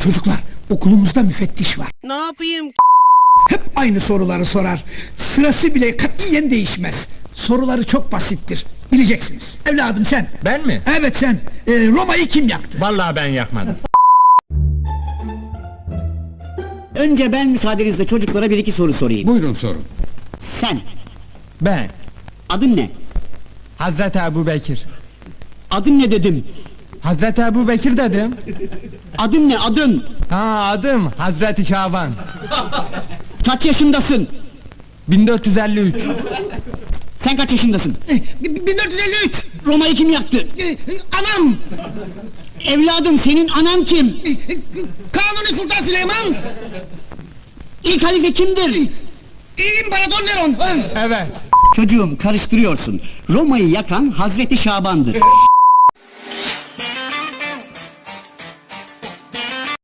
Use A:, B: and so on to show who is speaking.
A: Çocuklar, okulumuzda müfettiş var.
B: Ne yapayım?
A: Hep aynı soruları sorar. Sırası bile katiyen değişmez. Soruları çok basittir. Bileceksiniz. Evladım sen.
C: Ben mi?
A: Evet sen. Roma'yı kim yaktı?
C: Vallahi ben yakmadım.
D: Önce ben müsaadenizle çocuklara bir iki soru sorayım.
E: Buyurun sorun.
D: Sen,
C: Ben,
D: adın ne?
C: Hazreti Ebu Bekir.
D: Adın ne dedim?
C: Hazreti Ebu Bekir dedim.
D: Adın ne, adın?
C: Ha, adım Hazreti Şaban.
D: Kaç yaşındasın?
C: 1453.
D: Sen kaç yaşındasın?
A: 1453.
D: Roma'yı kim yaktı?
A: Anam.
D: Evladım, senin anan kim?
A: Kanuni Sultan Süleyman.
D: İlk halife kimdir?
A: İmparator Neron.
C: Evet.
D: Çocuğum, karıştırıyorsun. Roma'yı yakan Hazreti Şaban'dır.